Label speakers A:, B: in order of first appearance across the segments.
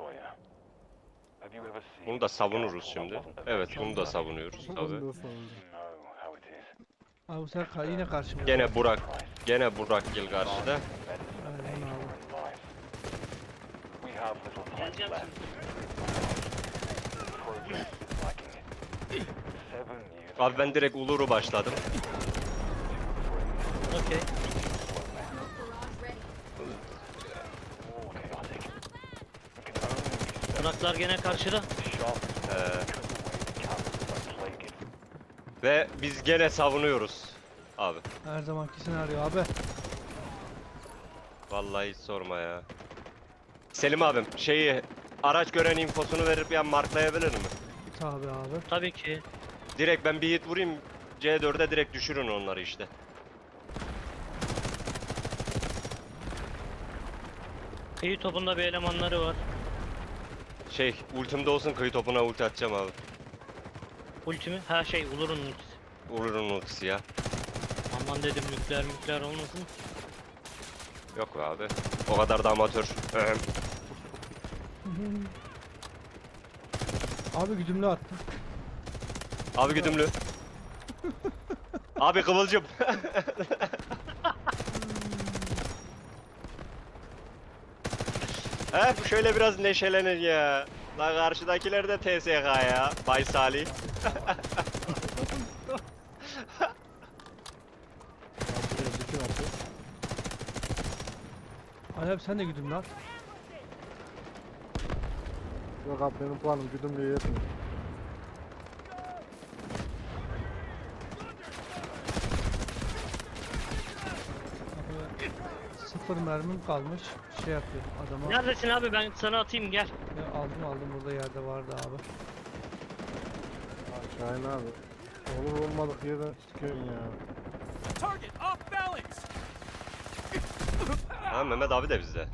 A: Bunu da savunuruz şimdi. Evet, bunu da savunuyoruz tabii.
B: Ondan sonra.
C: Abi bu sefer yine karşımda.
A: Gene Burak Gil karşıda.
C: Aynen abi.
D: Geleceğim şimdi.
A: Abi ben direkt Ulur'u başladım.
D: Okey. Iraklar gene karşıda.
A: Ve biz gene savunuyoruz. Abi.
C: Her zamanki senaryo abi.
A: Vallahi hiç sorma ya. Selim abim araç gören infosunu verip ya marklayabilir mi?
C: Tabi abi.
D: Tabii ki.
A: Direkt ben bir hit vurayım. C4'e direkt düşürün onları işte.
D: Kıyı topunda bir elemanları var.
A: Ultimde olsun, kıyı topuna ulti atacağım abi.
D: Ulti mi? Ha Ulur'un ultisi.
A: Ulur'un ultisi ya.
D: Aman dedim nükleer olmasın.
A: Yok be abi. O kadar da amatör.
C: Abi güdümlü attım.
A: Abi güdümlü. Abi kıvılcım. Şöyle biraz neşelenin ya. La karşıdakiler de TSK ya. Bay Salih.
B: Bütün atı.
C: Ali abi sen de güdümlü at.
B: Yok abi benim puanım güdümlüğe yetmiyor.
C: Abi, sıfır mermim kalmış. Şey yapıyor adama.
D: Neredesin abi, ben sana atayım gel.
C: Ya aldım burada yerde vardı abi.
B: Şahin abi. Olur olmadık yerden çıkıyorsun ya.
E: Target off balance.
A: Ha, Mehmet abi de bizde.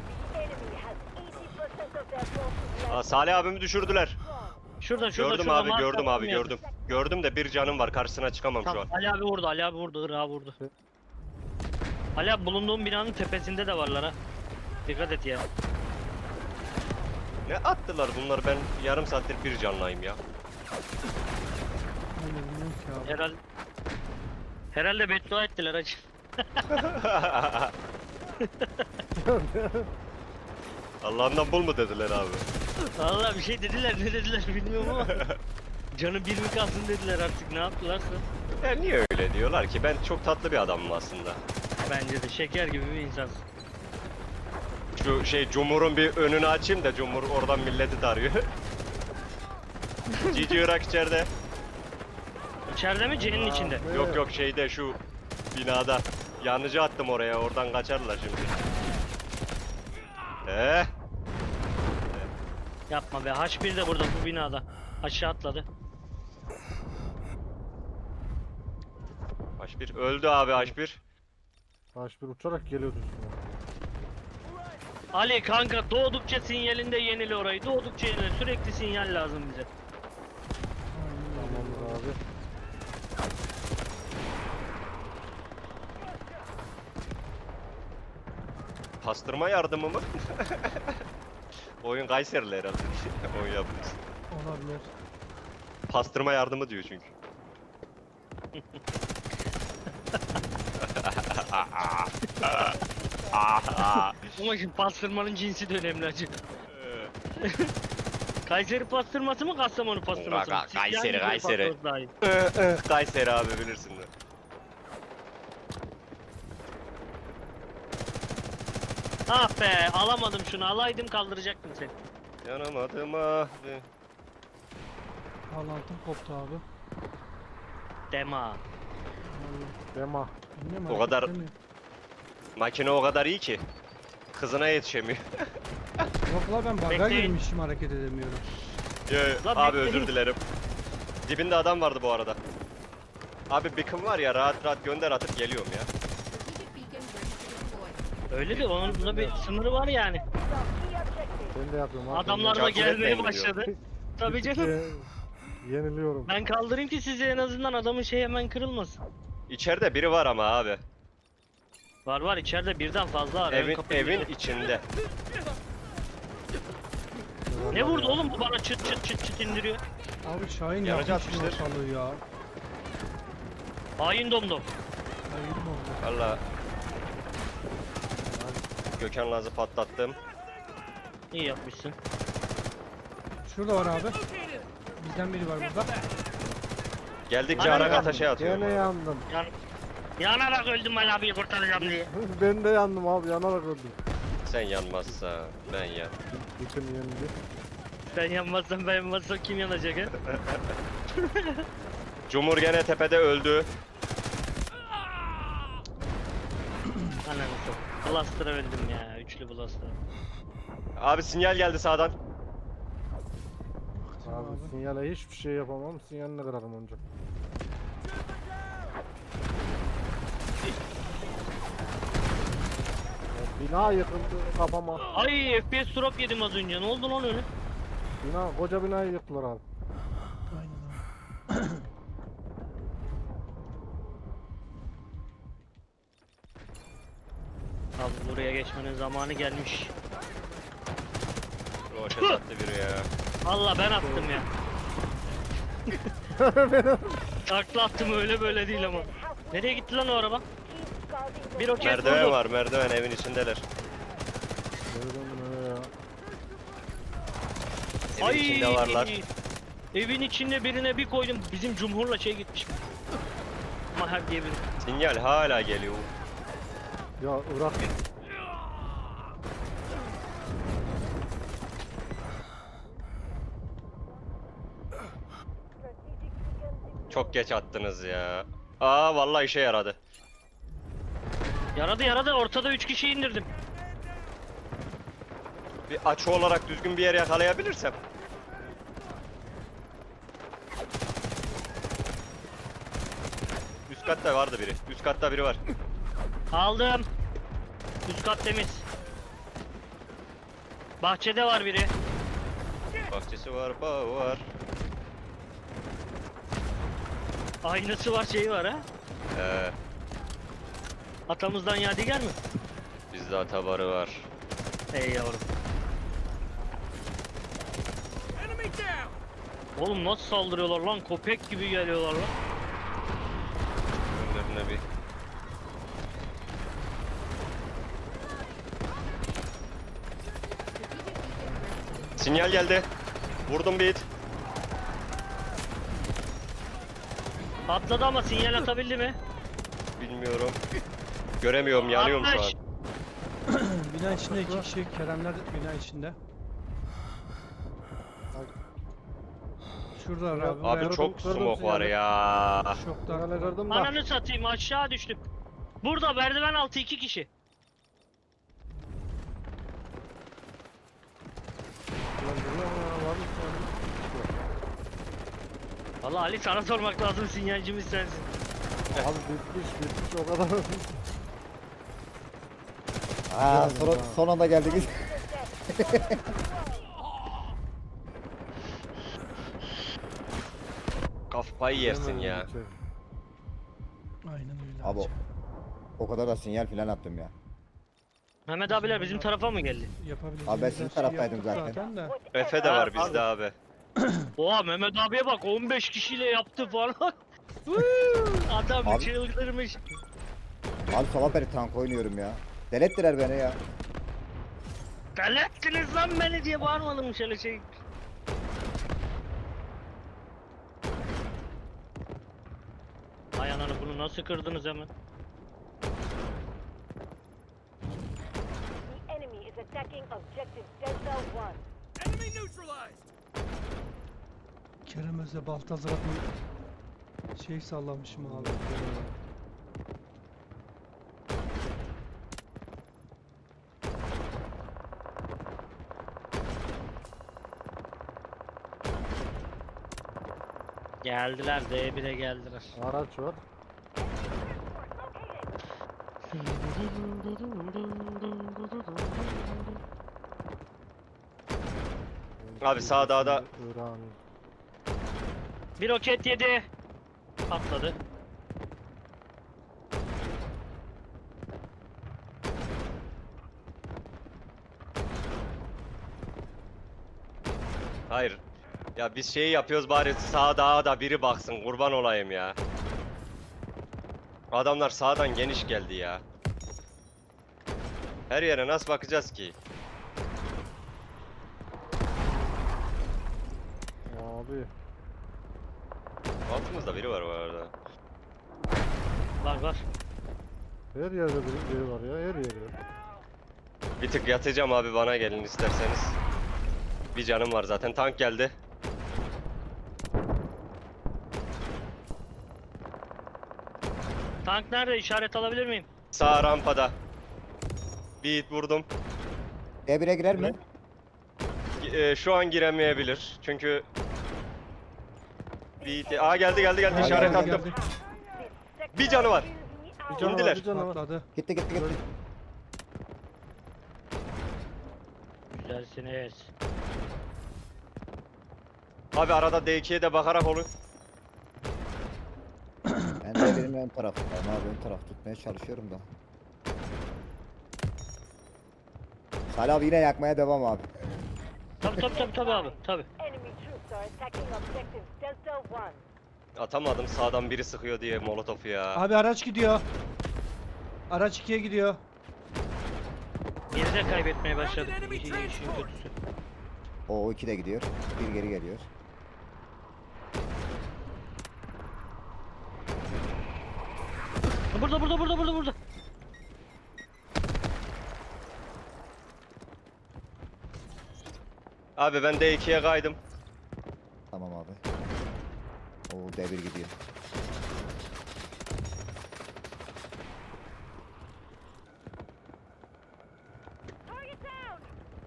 A: Salih abimi düşürdüler.
D: Şurada
A: Gördüm
D: şurada,
A: abi,
D: marka
A: gördüm abi,
D: attım ya.
A: gördüm. Gördüm de bir canım var, karşısına çıkamam şu an.
D: Tamam, Ali abi vurdu, Irak'ı vurdu. Ali abi bulunduğum binanın tepesinde de varlar ha. Dikkat et ya.
A: Ne attılar bunlar, ben yarım saattir bir canlayım ya.
C: Ben de bilmiyorum ki abi.
D: Herhalde beddua ettiler hacı.
A: Allah'ından bul mu dediler abi.
D: Vallahi bir şey dediler, ne dediler bilmiyorum ama. Canı bir mi kalsın dediler, artık ne yaptılarsa.
A: Ya niye öyle diyorlar ki, ben çok tatlı bir adamım aslında.
D: Bence de şeker gibi bir insansın.
A: Şu Cumhur'un bir önünü açayım da Cumhur oradan milleti tarıyor. Cici Irak içeride.
D: İçeride mi, C'nin içinde?
A: Yok şu binada. Yanıcı attım oraya, oradan kaçarlar şimdi.
D: Yapma be, H1 de burada bu binada. Aşağı atladı.
A: H1 öldü abi, H1.
B: H1 uçarak geliyordu üstüne.
D: Ali kanka, doğdukça sinyalinde yenile orayı. Doğdukça yenile, sürekli sinyal lazım bize.
B: Tamamdır abi.
A: Pastırma yardımı mı? Oyun Kayserili herhalde. Oyun yapmış.
C: Olabilir.
A: Pastırma yardımı diyor çünkü.
D: Ama şimdi pastırmanın cinsi de önemli hacı. Kayseri pastırması mı, Kastamonu pastırması mı?
A: Kayseri,
D: Sizce hangisi
A: Kayseri.
D: pastırması daha iyi?
A: Kayseri abi, bilirsin de.
D: Ah be, alamadım şunu, alaydım kaldıracaktım seni.
A: Yanamadım abi.
C: Bağlantım koptu abi.
D: Dema.
B: Dema.
C: Bilmiyorum,
A: O
C: hareket
A: kadar-
C: edemiyor.
A: Makine o kadar iyi ki. Kızına yetişemiyor.
C: Yok la ben bug'a
D: Bekleyin.
C: girmişim, hareket edemiyorum.
D: Lan
A: Abi
D: bekleyin.
A: özür dilerim. Dibinde adam vardı bu arada. Abi beacon var ya, rahat rahat gönder atıp geliyorum ya.
D: Öyle de onun da bir sınırı var yani.
B: Ben de yapıyorum abi.
D: Adamlar da
A: Cakçı
D: gelmeye
A: etmeyin diyor.
D: başladı. Tabii canım.
B: Yeniliyorum.
D: Ben kaldırayım ki size, en azından adamın hemen kırılmasın.
A: İçeride biri var ama abi.
D: Var içeride birden fazla var. Ön kapı
A: Evin
D: gidiyor.
A: içinde.
D: Ne vurdu oğlum bu bana çıt çıt çıt çıt indiriyor.
C: Abi Şahin
A: Yanıcı
C: yapmış
A: atmıştır.
C: ortalığı ya.
D: Hain domdom.
C: Hayır mı oldu?
A: Valla. Gökhan Laz'ı patlattım.
D: İyi yapmışsın.
C: Şurada var abi.
E: Located.
C: Bizden biri var burada.
A: Geldikçe
D: Aynen.
A: ara ateşe atıyor.
B: Gene yandım.
D: Yanarak öldüm Ali abiyi kurtaracağım diye.
B: Ben de yandım abi, yanarak öldüm.
A: Sen yanmazsa ben yan.
B: Bütün yendi.
D: Ben yanmazsam ben yanmazsam kim yanacak he?
A: Cumhur gene tepede öldü.
D: Ananı sok. Blaster'a öldüm ya. Üçlü Blaster'a.
A: Abi sinyal geldi sağdan.
B: Abi sinyale hiçbir şey yapamam. Sinyalini kırarım ancak. Ya bina yıkıldı kafama.
D: Ay FPS drop yedim az önce. Ne oldu lan öyle?
B: Bina, koca binayı yıktılar abi.
C: Aynen abi.
D: Abi buraya geçmenin zamanı gelmiş.
A: Roşet attı biri ya.
D: Valla ben attım ya. Takla attım öyle böyle değil ama. Nereye gitti lan o araba? Bir roket
A: Merdiven
D: vurdu.
A: var, merdiven evin içindeler.
B: Gördün mü ya?
A: Evin içinde varlar.
D: Evin içinde birine bir koydum. Bizim Cumhur'la şey gitmiş. Maher diye biri.
A: Sinyal hala geliyor.
B: Ya Irak.
A: Çok geç attınız ya. Aa vallahi işe yaradı.
D: Yaradı ortada 3 kişi indirdim.
A: Bir açı olarak düzgün bir yer yakalayabilirsem. Üst katta vardı biri. Üst katta biri var.
D: Aldım. Üst kat temiz. Bahçede var biri.
A: Bahçesi var, bağı var.
D: Aynası var şeyi var ha.
A: Ee,
D: Atamızdan yadigar mı?
A: bizde atabarı var.
D: Ey yavrum.
E: Enemy down.
D: Oğlum nasıl saldırıyorlar lan? Köpek gibi geliyorlar lan.
A: Önlerine bir. Sinyal geldi. Vurdum bir hit.
D: Patladı ama sinyal atabildi mi?
A: Bilmiyorum. Göremiyorum, yanıyorum şu an.
D: Atmış.
C: Bina içinde 2 kişi. Keremler bina içinde. Şurada abi.
A: Abi
C: Buraya-
A: çok
B: kırdım
A: smoke var
B: sinyali.
A: ya.
C: Çok
B: Sinyale
C: da.
B: kırdım da.
D: Ananı satayım aşağı düştüm. Burada merdiven altı 2 kişi.
B: Ulan görüyor musun ya? Var mı sinyali?
D: Valla Ali sana sormak lazım sinyalcimiz sensin.
B: Abi bitmiş o kadar.
F: Aa,
B: Güzel ya.
F: son anda geldik.
A: Kafayı yersin ya.
C: Aynen öyle.
F: Abi o kadar da sinyal falan attım ya.
D: Mehmet abiler bizim tarafa mı geldi?
C: Yapabileceğimiz
F: Abi ben
C: her
F: sizin
C: şeyi
F: taraftaydım
C: yaptık
F: zaten.
C: de.
A: Efe de
D: Ha,
A: var bizde abi.
D: Oha Mehmet abiye bak 15 kişiyle yaptı falan. Adam
F: Abi-
D: çıldırmış.
F: Abi sabah beri tank oynuyorum ya. Delettiler beni ya.
D: Delettiniz lan beni diye bağırmadım şöyle şey. Ay ananı bunu nasıl kırdınız hemen?
G: The enemy is attacking objective Delta 1.
E: Enemy neutralized.
C: Kerem Özde Baltazar'a bir şey sallamışım abi.
D: Geldiler D1'e geldiler.
B: Araç var.
A: Abi sağ dağda
B: İran.
D: Bir roket yedi. Patladı.
A: Hayır. Ya biz şeyi yapıyoruz bari sağa dağa da biri baksın kurban olayım ya. Adamlar sağdan geniş geldi ya. Her yere nasıl bakacağız ki?
B: Abi.
A: Altımızda biri var bu arada.
D: Var.
B: Her yerde biri var ya, her yerde.
A: Bir tık yatacağım abi, bana gelin isterseniz. Bir canım var zaten, tank geldi.
D: Tank nerede? İşaret alabilir miyim?
A: Sağ rampada. Bir hit vurdum.
F: D1'e girer mi?
A: Şu an giremeyebilir çünkü... Bir hit... Aa geldi
F: Ha,
A: işaret
F: geldi,
A: attım.
G: This
A: Bir canı var.
G: sector
B: Bir canı
A: İndiler.
B: var, bir canı var.
C: Patladı.
F: Gitti.
D: Güzelsiniz.
A: Abi arada D2'ye de bakarak olun.
F: Ben de benim ön tarafındayım abi, ön taraf tutmaya çalışıyorum da. Salih abi yine yakmaya devam abi.
D: Tabi abi. Tabi.
G: enemy troops are attacking objective Delta 1.
A: Atamadım, sağdan biri sıkıyor diye molotofu ya.
C: Abi araç gidiyor. Araç 2'ye gidiyor.
D: Biri de kaybetmeye başladık. İşin kötüsü.
F: O 2 de gidiyor. Bir geri geliyor.
D: Burada.
A: Abi ben D2'ye kaydım.
F: Tamam abi. O D1 gidiyor.
G: Target down!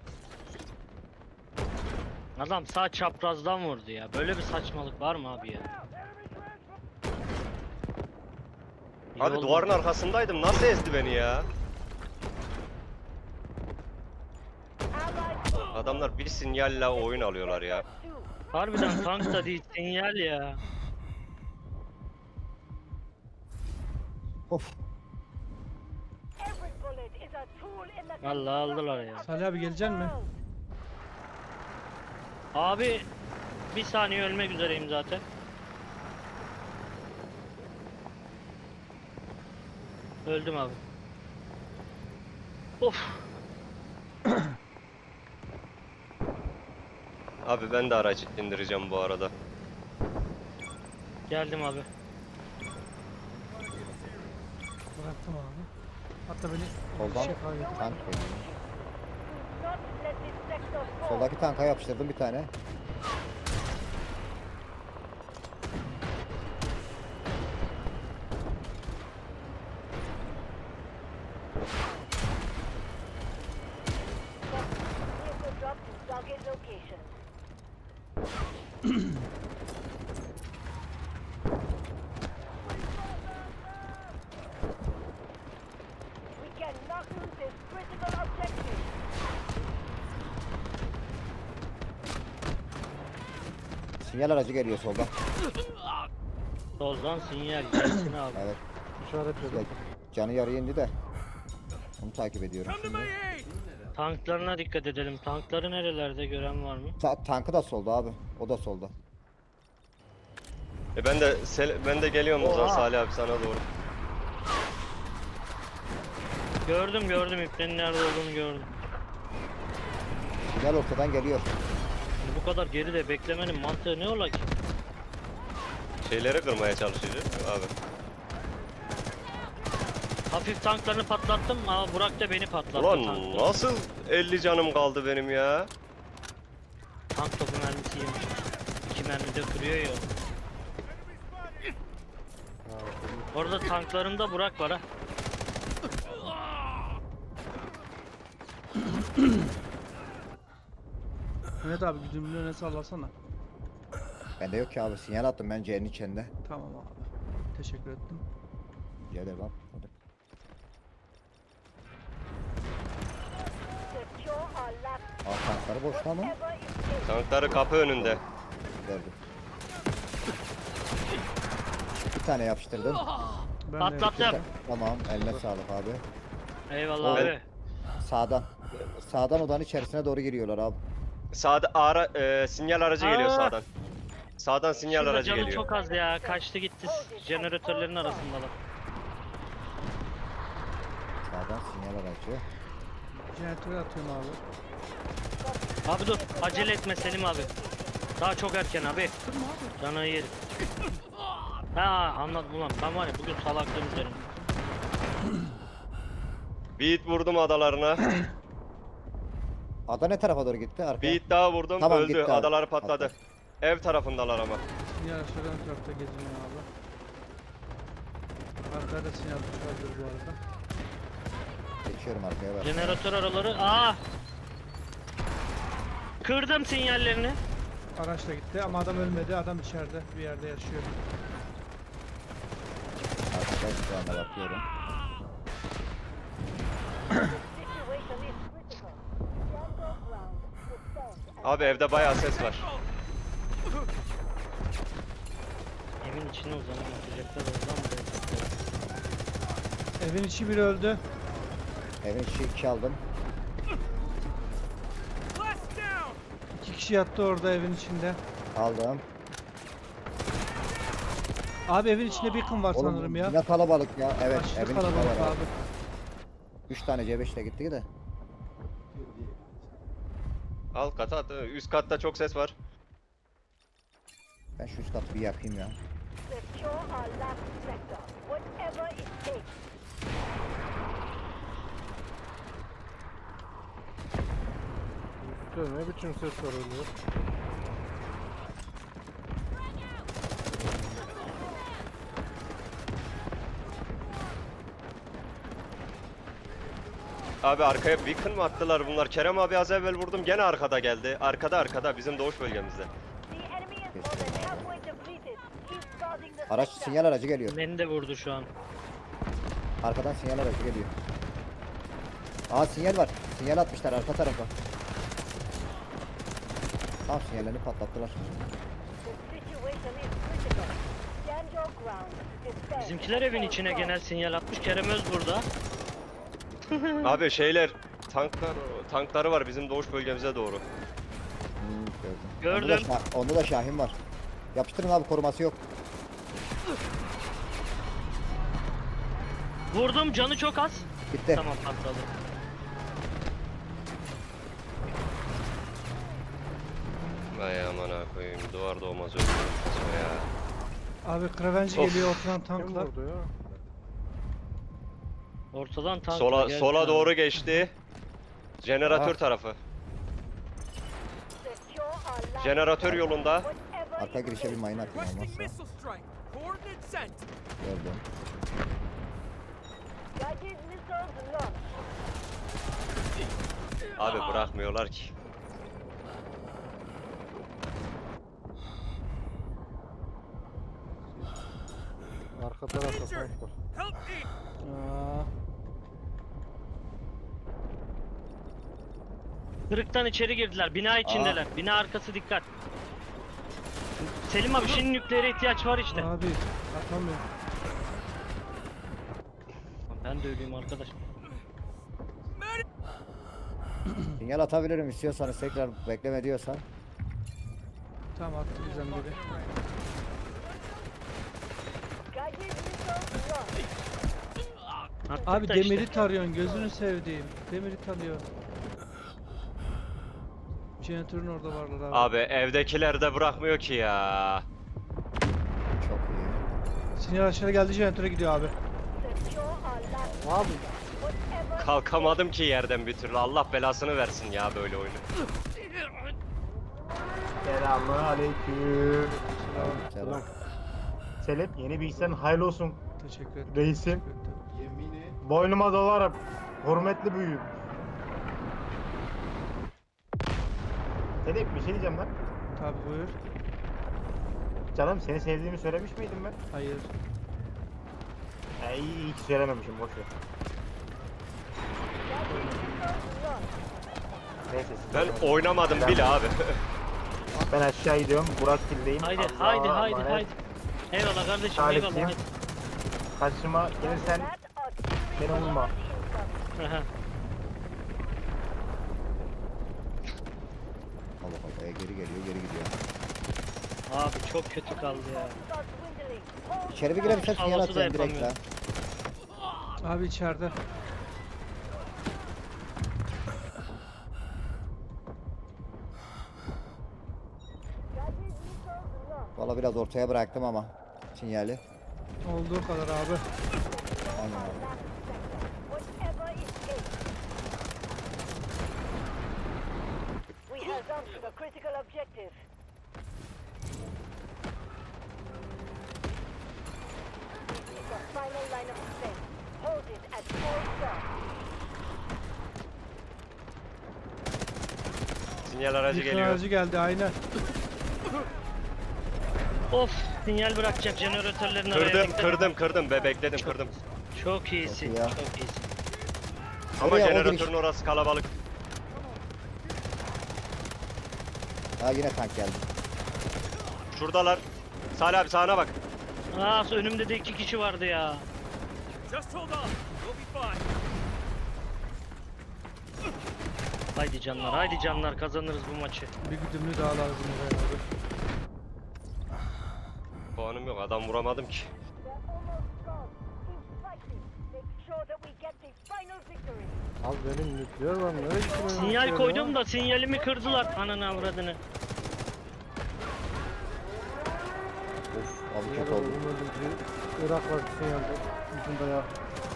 D: Adam sağ çaprazdan vurdu ya. Böyle bir saçmalık var mı abi ya? İyi
A: Abi
D: oldu.
A: duvarın arkasındaydım, nasıl ezdi beni ya?
G: Allied
A: Adamlar bir sinyalle oyun alıyorlar ya.
G: 2.
D: Harbiden tank da değil, sinyal ya.
F: Of.
G: Every bullet is a tool in the
D: Vallahi aldılar ya.
C: Salih abi gelecek mi?
D: Abi bir saniye ölmek üzereyim zaten. Öldüm abi. Of.
A: Abi ben de araç indireceğim bu arada.
D: Geldim abi.
C: Bıraktım abi. Hatta beni
F: Soldan
C: şey kaybetti.
F: tank geliyor.
G: Do not let this sector fall.
F: Soldaki tanka yapıştırdım bir tane.
G: Vehicle drop to target location. We cannot lose this critical objective.
F: Sinyal aracı geliyor soldan.
D: Soldan sinyal gelsin abi.
F: Evet.
B: İşaretledim.
F: Canı yarıya indi de. Onu takip ediyorum
E: Come to
F: şimdi.
E: my aid!
D: Tanklarına dikkat edelim. Tankları nerelerde gören var mı?
F: Tankı da solda abi. O da solda.
A: Ben de geliyorum o zaman
D: Oha.
A: Salih abi sana doğru.
D: Gördüm iplerin nerede olduğunu gördüm.
F: Sinyal ortadan geliyor.
D: Şimdi bu kadar geride beklemenin mantığı ne ola ki?
A: Şeyleri kırmaya çalışacağız abi.
D: Hafif tanklarını patlattım ama Burak da beni patlattı.
A: Ulan
D: tankla.
A: nasıl 50 canım kaldı benim ya?
D: Tank topu mermisi yemiş. 2 mermi de kırıyor ya. Orada tanklarımda Burak var ha.
C: Mehmet abi güdümlü öne sallasana.
F: Bende yok ki abi. Sinyal attım ben C'nin içinde.
C: Tamam abi. Teşekkür ettim.
F: Rica ederim abi. Hadi.
G: Secure our last
F: Tankları boşta mı?
G: ever escape.
A: Tankları kapı önünde.
F: Verdim. Bir tane yapıştırdım.
C: Ben de
D: Patlattım.
F: Tamam, eline sağlık abi.
D: Eyvallah
F: Evet.
D: abi.
F: Sağdan. Sağdan odanın içerisine doğru giriyorlar abi.
A: Sağda sinyal aracı geliyor
D: Aa!
A: sağdan. Sağdan sinyal
D: Şurada
A: aracı
D: canı
A: geliyor.
D: çok az ya. Kaçtı gitti. Jeneratörlerin arasındalar.
F: Sağdan sinyal aracı.
C: Jeneratörü atıyorum abi.
D: Abi dur. Acele etme Selim abi. Daha çok erken abi. Canı yer. Ha anladım ulan. Ben var ya bugün salaklığım üzerine.
A: Bir hit vurdum adalarına.
F: Ada ne tarafa doğru gitti? Arkaya.
A: Bir hit daha vurdum
F: Tamam,
A: öldü.
F: gitti abi.
A: Adaları patladı.
F: Patladı.
A: Ev tarafındalar ama.
C: Sinyal aşağıdan tarafta geziniyor abi. Arkada da sinyal çıkardır bu arada.
F: Geçiyorum arkaya bak.
D: Jeneratör araları. Aa! Kırdım sinyallerini.
C: Araç da gitti ama adam ölmedi. Adam içeride bir yerde yaşıyor.
F: Arkada şu anda bakıyorum.
G: Situation is critical. Stand your ground. Defend.
A: Abi evde bayağı ses var.
D: Evin içine uzanıp atacaklar oradan buraya.
C: Evin içi biri öldü.
F: Evin içi 2 aldım.
E: Blast down!
C: 2 kişi yattı orada evin içinde.
F: Aldım.
C: Abi evin içinde beacon var sanırım ya.
F: Yine kalabalık ya. Evet,
C: Aşırı
F: evin içinde
C: kalabalık
F: var
C: abi.
F: abi. 3 tane C5 ile gitti de.
A: Alt kata at. Üst katta çok ses var.
F: Ben şu üst katı bir yakayım ya.
G: Secure our last sector. Whatever it takes.
B: Üstte ne biçim ses var öyle?
A: Abi arkaya beacon mı attılar bunlar? Kerem abi az evvel vurdum gene arkada geldi. Arkada bizim doğuş bölgemizde.
G: The enemy is more than halfway depleted. Keep guarding the
F: Araç
G: sector.
F: sinyal aracı geliyor.
D: Beni de vurdu şu an.
F: Arkadan sinyal aracı geliyor. Aa sinyal var. Sinyal atmışlar arka tarafa. Tamam sinyallerini patlattılar.
G: The situation is critical. Stand your ground. Defend.
D: Bizimkiler evin içine genel sinyal atmış. Kerem Öz burada.
A: Abi şeyler tankları var bizim doğuş bölgemize doğru.
F: Gördüm.
D: Gördüm.
F: Onda da Şahin var. Yapıştırın abi koruması yok.
D: Vurdum canı çok az.
F: Bitti.
D: Tamam patladı.
A: Vay aman ha koyayım duvar doğmaz öldüm ya.
C: Abi Kravenci
A: Of.
C: geliyor oturan
B: Kim
C: tanklar.
B: vurdu ya?
D: Ortadan tank geldi
A: Sola
D: abi.
A: doğru geçti. Jeneratör
F: Ah.
A: tarafı.
G: Secure our last
A: Jeneratör yolunda.
G: whatever
F: Arka
G: it
F: girişe bir
G: takes.
F: mayın atayım
E: Requesting
F: olmazsa.
E: missile strike. Coordinates sent.
F: Gördüm.
G: Guided missiles launched.
A: Abi bırakmıyorlar ki.
B: Arka tarafta
E: Danger!
B: tank var.
E: Help me!
C: Aa,
D: Kırıktan içeri girdiler. Bina içindeler. Bina arkası dikkat. Selim abi şimdi nükleere ihtiyaç var işte.
C: abi atamıyorum.
D: Ben de öleyim arkadaş.
F: Sinyal atabilirim istiyorsanız tekrar bekleme diyorsan.
C: Tamam attı bizden biri.
G: Guided missiles launched.
D: Attık
C: Abi
D: da
C: demiri
D: işte.
C: tarıyorsun gözünü sevdiğim. Demiri tarıyor. Jeneratörün orada varlar abi.
A: Abi evdekiler de bırakmıyor ki ya.
F: Çok iyi.
C: Sinyal aşağı geldi jeneratöre gidiyor abi.
G: Secure our last
B: Abi
G: whatever.
A: Kalkamadım ki yerden bir türlü. Allah belasını versin ya böyle oyunu.
H: Selamünaleyküm.
F: Selam.
H: Selim yeni bilgisayarın hayırlı olsun
C: Teşekkür ederim.
H: reisim. Boynuma dolarım. Hürmetli büyüğüm. Selim bir şey diyeceğim lan.
C: Tabi buyur.
H: Canım seni sevdiğimi söylemiş miydim ben?
C: Hayır.
H: İyi ki söylememişim boş ver. Neyse. siz
A: Ben
H: devam edin.
A: oynamadım bile abi.
H: Ben aşağı gidiyorum. Burak Gil'deyim.
D: Haydi
H: Allah'a
D: haydi haydi
H: emanet.
D: haydi. Eyvallah kardeşim
H: Talipsiyim.
D: eyvallah.
H: Karşıma gelirsen beni vurma.
D: Haydi.
F: Bak bak geri geliyor geri gidiyor.
D: Abi çok kötü kaldı ya.
G: Start dwindling. Hold
F: İçeri bir girebilsen sinyal
D: Havası da
F: atacağım direkt la.
D: yapamıyorum.
C: Abi içeride.
G: Guided missiles lost.
F: Valla biraz ortaya bıraktım ama sinyali.
C: Olduğu kadar abi.
F: Aynen abi.
G: Whatever escaped. We held on to the critical objective. This is the final line of defense. Hold it at all costs.
A: Sinyal aracı
C: Yıkın
A: geliyor.
C: aracı geldi aynen.
D: Of sinyal bırakacak jeneratörlerin araya
A: Kırdım,
D: dikkat et.
A: kırdım be bekledim kırdım.
D: Çok iyisin.
F: Çok iyi ya.
D: Çok iyisin.
A: Ama
F: Oraya o
A: jeneratörün
F: giriş.
A: orası kalabalık.
F: Ha yine tank geldi.
A: Şuradalar. Salih abi sağına bak.
D: Aa önümde de 2 kişi vardı ya.
E: Just hold on. We'll be fine.
D: Haydi canlar, haydi canlar kazanırız bu maçı.
C: Bir güdümlü daha lazım buraya abi.
A: Puanım yok adam vuramadım ki.
G: They're almost gone. Keep fighting. Make sure that we get the final victory.
B: Abi benim nükleer var. Nereye gitti benim
D: Sinyal
B: nükleer
D: koydum
B: ya?
D: da sinyalimi kırdılar ananı avradını.
F: Of abi
B: Sinyal
F: kötü oldu.
B: olmadı ki. Irak var sinyalde. Ucunda ya.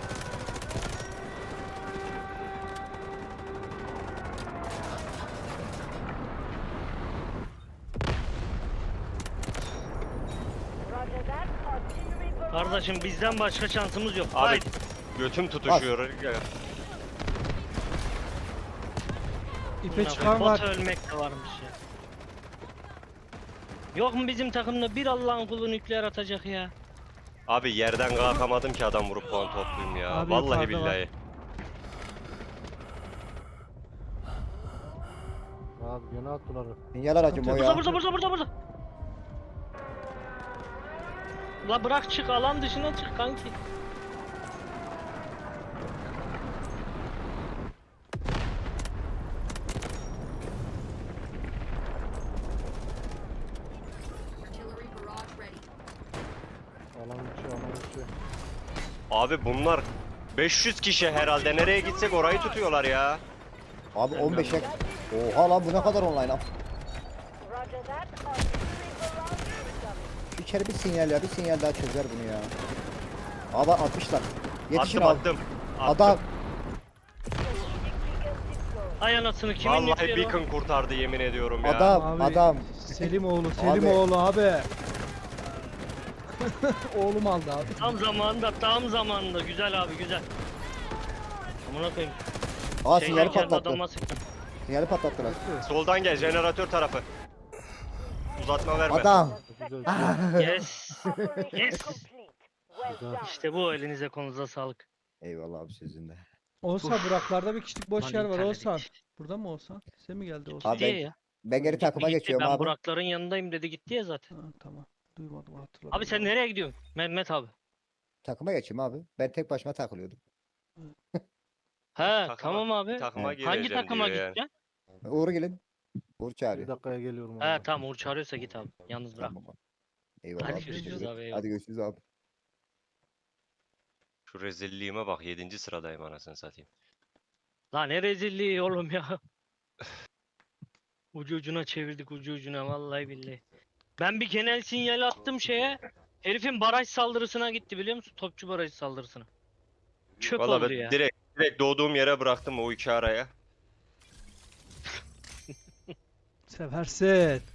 G: Roger that. Artillery barrage.
D: Kardeşim bizden başka şansımız yok.
A: Abi
D: Haydi.
A: götüm tutuşuyor.
C: İpe çıkan var.
D: Bot ölmek de varmış ya. Yok mu bizim takımda bir Allah'ın kulu nükleer atacak ya?
A: Abi yerden kalkamadım ki adam vurup puan toplayayım ya.
C: Abi
A: Vallahi
C: yukarıda var.
A: billahi.
B: Abi gene attılar.
F: Sinyal aracım o
D: Burada
F: ya.
D: burada. La bırak çık alan dışına çık kanki.
I: Artillery barrage ready.
B: Alan içi alan içi.
A: Abi bunlar 500 kişi herhalde. Nereye gitsek orayı tutuyorlar ya.
F: Abi 15'e. Oha lan bu ne kadar online lan.
G: Roger that. Artillery barrage incoming.
F: İçeri bir sinyal ya bir sinyal daha çözer bunu ya. Abi atmışlar. Yetişin
A: Attım
F: abi.
A: attım.
F: Adam.
G: Strategic beacon deployed.
D: Ay anasını kimin
A: Vallahi
D: nükleeri o?
A: beacon kurtardı yemin ediyorum ya.
F: Adam.
C: Abi,
F: Adam.
C: Selimoğlu abi. Oğlum aldı abi.
D: Tam zamanında güzel abi güzel. Amına koyayım.
F: Aa
D: Şeyden
F: sinyali
D: geldi
F: patlattı.
D: adama sıktım.
F: Sinyali patlattılar.
A: Soldan gel jeneratör tarafı. Uzatma verme.
F: Adam.
B: Güzel.
D: Yes.
G: Operation
D: Yes.
G: complete. Well done.
D: İşte bu elinize konuza sağlık.
F: Eyvallah abi sizin de.
C: Oğuzhan Buraklar'da bir kişilik boş
D: Lan
C: yer var
D: internet
C: Oğuzhan.
D: gitti.
C: Burada mı Oğuzhan? Sen mi geldi Oğuzhan?
F: Abi
D: Diye ya.
F: Ben geri takıma
D: Gitti,
F: geçiyorum
D: ben
F: abi.
D: Burakların yanındayım dedi gitti ya zaten.
C: Ha, tamam. Duymadım hatırladım.
D: Abi sen nereye gidiyorsun? Mehmet abi.
F: Takıma geçeyim abi. Ben tek başıma takılıyordum.
D: He
A: Takıma-
D: tamam abi.
A: Takıma
F: Evet.
A: gireceğim
D: Hangi takıma
A: diyor yani.
D: gideceksin?
F: Uğur gelin. Uğur
B: Bir
F: çağırıyor.
B: dakikaya geliyorum.
D: He
B: abi.
D: tamam Uğur çağırıyorsa git abi. Yalnız bırak.
F: Tamam abi. Eyvallah
D: Hadi
F: abi.
D: görüşürüz
F: teşekkür ederim.
D: abi, eyvallah.
F: Hadi görüşürüz abi.
A: Şu rezilliğime bak 7. sıradayım anasını satayım.
D: Lan ne rezilliği oğlum ya. Ucu ucuna çevirdik ucu ucuna vallahi billahi. Ben bir genel sinyal attım şeye. Herifin baraj saldırısına gitti biliyor musun? Topçu baraj saldırısına. Çöp
A: Vallahi
D: oldu
A: ben
D: ya.
A: direkt doğduğum yere bıraktım o iki araya.
C: Seversin.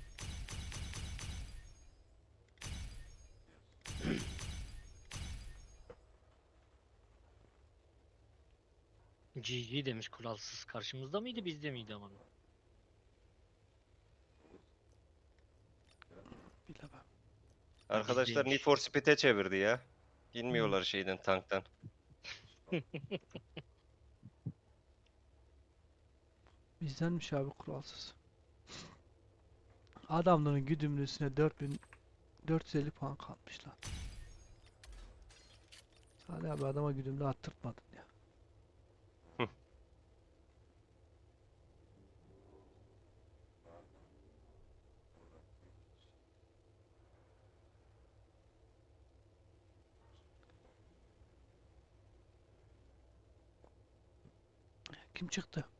D: GG demiş kuralsız. Karşımızda mıydı bizde miydi ama?
C: Bilemem.
A: Arkadaşlar
D: Bizdeymiş.
A: Need for Speed'e çevirdi ya. İnmiyorlar şeyden tanktan.
C: Bizdenmiş abi kuralsız. Adamların güdümlüsüne 4450 puan kalmış lan. Salih abi adama güdümlü attırtmadın ya. Kim çıktı?